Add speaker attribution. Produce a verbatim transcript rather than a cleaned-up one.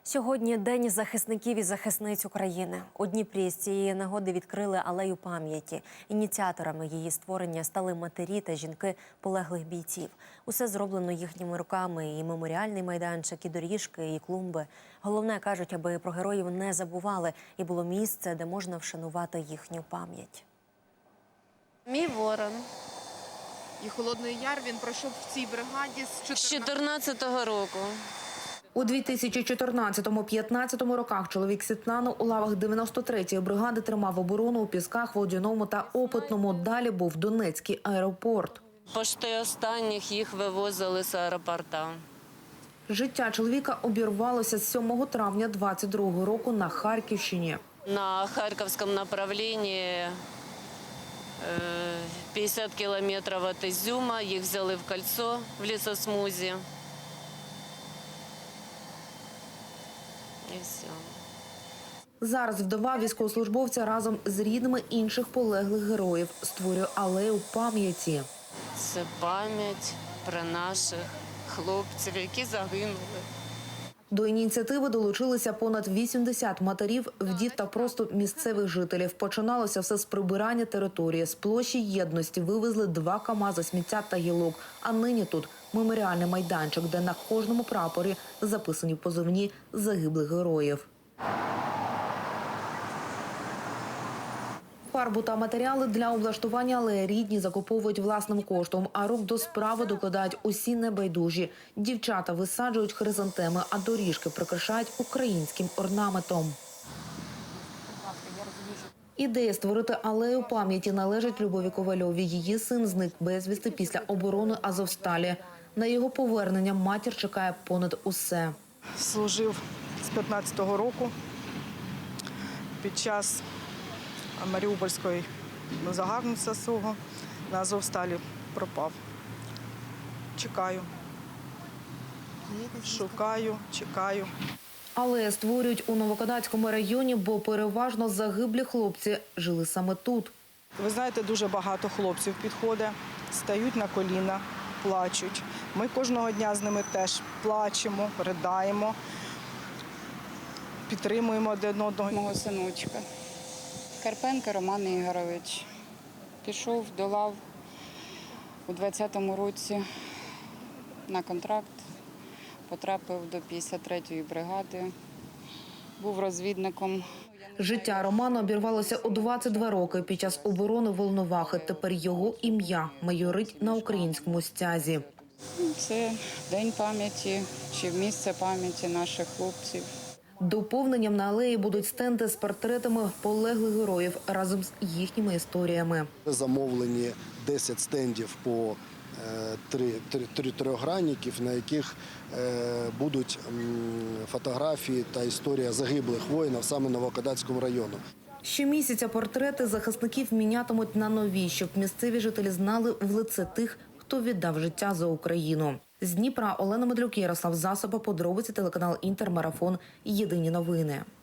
Speaker 1: Сьогодні День захисників і захисниць України. У Дніпрі з цієї нагоди відкрили алею пам'яті. Ініціаторами її створення стали матері та жінки полеглих бійців. Усе зроблено їхніми руками – і меморіальний майданчик, і доріжки, і клумби. Головне, кажуть, аби про героїв не забували і було місце, де можна вшанувати їхню пам'ять.
Speaker 2: Мій ворон.
Speaker 3: І Холодний Яр він пройшов в цій бригаді з
Speaker 2: чотирнадцятого року.
Speaker 4: У дві тисячі чотирнадцятому - п'ятнадцятому роках чоловік Світлану у лавах дев'яносто третьої бригади тримав оборону у Пісках, Водяному та Опитному. Далі був Донецький аеропорт.
Speaker 2: Пошти останніх їх вивозили з аеропорта.
Speaker 4: Життя чоловіка обірвалося з сьомого травня двадцять другого року на Харківщині.
Speaker 2: На Харківському направлінні п'ятдесят кілометрів від Ізюма. Їх взяли в кольцо в лісосмузі. І все.
Speaker 4: Зараз вдова військовослужбовця разом з рідними інших полеглих героїв створює алею пам'яті.
Speaker 2: Це пам'ять про наших хлопців, які загинули.
Speaker 4: До ініціативи долучилися понад вісімдесят матерів, вдів та просто місцевих жителів. Починалося все з прибирання території. З площі Єдності вивезли два камази сміття та гілок. А нині тут меморіальний майданчик, де на кожному прапорі записані позивні загиблих героїв. Фарбу та матеріали для облаштування алеї рідні закуповують власним коштом, а рук до справи докладають усі небайдужі. Дівчата висаджують хризантеми, а доріжки прикрашають українським орнаментом. Ідея створити алею пам'яті належить Любові Ковальовій. Її син зник безвісти після оборони Азовсталі. На його повернення матір чекає понад усе.
Speaker 5: Служив з п'ятнадцятого року під час Маріупольської загарбництва свого на Азовсталі пропав. Чекаю. Шукаю, чекаю.
Speaker 4: Алею створюють у Новокадацькому районі, бо переважно загиблі хлопці жили саме тут.
Speaker 5: Ви знаєте, дуже багато хлопців підходить, стають на коліна, плачуть. Ми кожного дня з ними теж плачемо, ридаємо, підтримуємо один одного.
Speaker 6: Мого синочка Карпенко Роман Ігорович пішов до лав у двадцятому році на контракт, потрапив до п'ятдесят третьої бригади, був розвідником.
Speaker 4: Життя Романа обірвалося у двадцять два роки під час оборони Волновахи. Тепер його ім'я майорить на українському стязі.
Speaker 6: Це день пам'яті чи місце пам'яті наших хлопців.
Speaker 4: Доповненням на алеї будуть стенди з портретами полеглих героїв разом з їхніми історіями.
Speaker 7: Замовлені десять стендів по три, три, три трьохгранників, на яких будуть фотографії та історія загиблих воїнів саме Новокадацького району.
Speaker 4: Щомісяця портрети захисників мінятимуть на нові, щоб місцеві жителі знали в лице тих, хто віддав життя за Україну. З Дніпра Олена Медлюк, Ярослав Засоба, подробиці, телеканал «Інтермарафон». Єдині новини.